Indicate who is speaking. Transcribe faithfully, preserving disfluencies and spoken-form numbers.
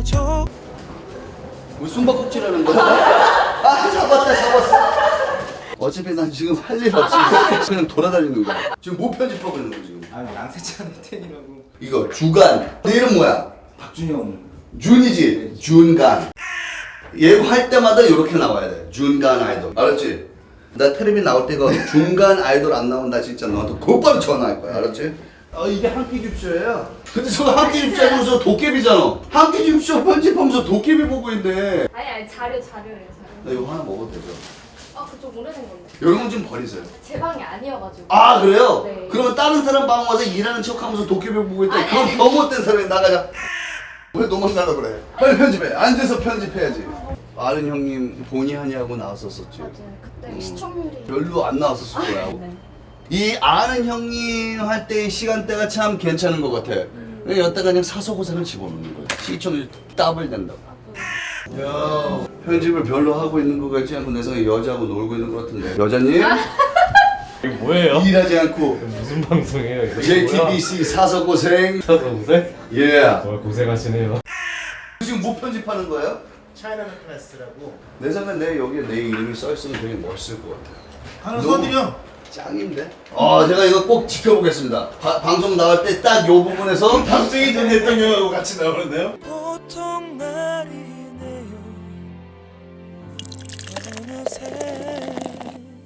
Speaker 1: 안아줘.
Speaker 2: 왜 숨바꼭질하는 거야? 아 잡았다 잡았어. 어차피 난 지금 할 일 없이 그냥 돌아다니는 거야. 지금 뭐 편집하고 있는 거야 지금?
Speaker 3: 아 양세찬 텐이라고.
Speaker 2: 이거 주간. 내 이름 뭐야?
Speaker 3: 박준영.
Speaker 2: 준이지? 준간. 예고할 때마다 이렇게 나와야 돼. 준간 아이돌. 알았지? 나 텔레비 나올 때 이거 중간 아이돌 안 나온다 진짜 너한테 곧바로 전화할 거야. 알았지? 아 이게 한 끼 줍쇼야. 근데 저거 한 끼 줍쇼 하면서 도깨비잖아. 한 끼 줍쇼 편집하면서 도깨비 보고 있네.
Speaker 4: 아니 아니 자료 자료예요 자료.
Speaker 2: 나 이거 하나 먹어도 되죠?
Speaker 4: 아 그쪽 오래된 건데.
Speaker 2: 이런 건 좀 버리세요.
Speaker 4: 제 방이 아니어가지고.
Speaker 2: 아 그래요?
Speaker 4: 네.
Speaker 2: 그러면 다른 사람 방 와서 일하는 척하면서 도깨비 보고 있다.
Speaker 4: 아니,
Speaker 2: 그럼
Speaker 4: 아니.
Speaker 2: 더 못된 사람이 나가자. 왜 도망가려 그래? 빨리 편집해. 앉아서 편집해야지. 아는 형님 본의 아니하고 나왔었었지.
Speaker 4: 맞아요. 그때
Speaker 2: 음.
Speaker 4: 시청률이
Speaker 2: 별로 안 나왔었을 거야.
Speaker 4: 네.
Speaker 2: 이 아는 형님 할 때 시간대가 참 괜찮은 것 같아.
Speaker 4: 음.
Speaker 2: 여기다가 그냥 사소고생을 집어넣는 거야. 시청률 더블 된다고.
Speaker 4: 아,
Speaker 2: 야 편집을 별로 하고 있는 것 같지 않고 내 생각에 여자하고 놀고 있는 것 같은데. 여자님
Speaker 5: 이게 뭐예요?
Speaker 2: 일하지 않고
Speaker 5: 무슨 방송이에요? 이거
Speaker 2: 제이티비씨 사소고생.
Speaker 5: 사서 고생?
Speaker 2: 예.
Speaker 5: 정말 고생하시네요.
Speaker 2: 지금 뭐 편집하는 거예요?
Speaker 3: 차이나는 클래스라고.
Speaker 2: 내 생각에 내 여기에 내 이름이 써있으면 되게 멋있을 것 같아요.
Speaker 3: 하나
Speaker 2: 너무
Speaker 3: 써드려.
Speaker 2: 짱인데? 아 제가 이거 꼭 지켜보겠습니다. 바, 방송 나갈 때 딱 요 부분에서
Speaker 3: 박정희 전 대통령하고 같이 나오는데요.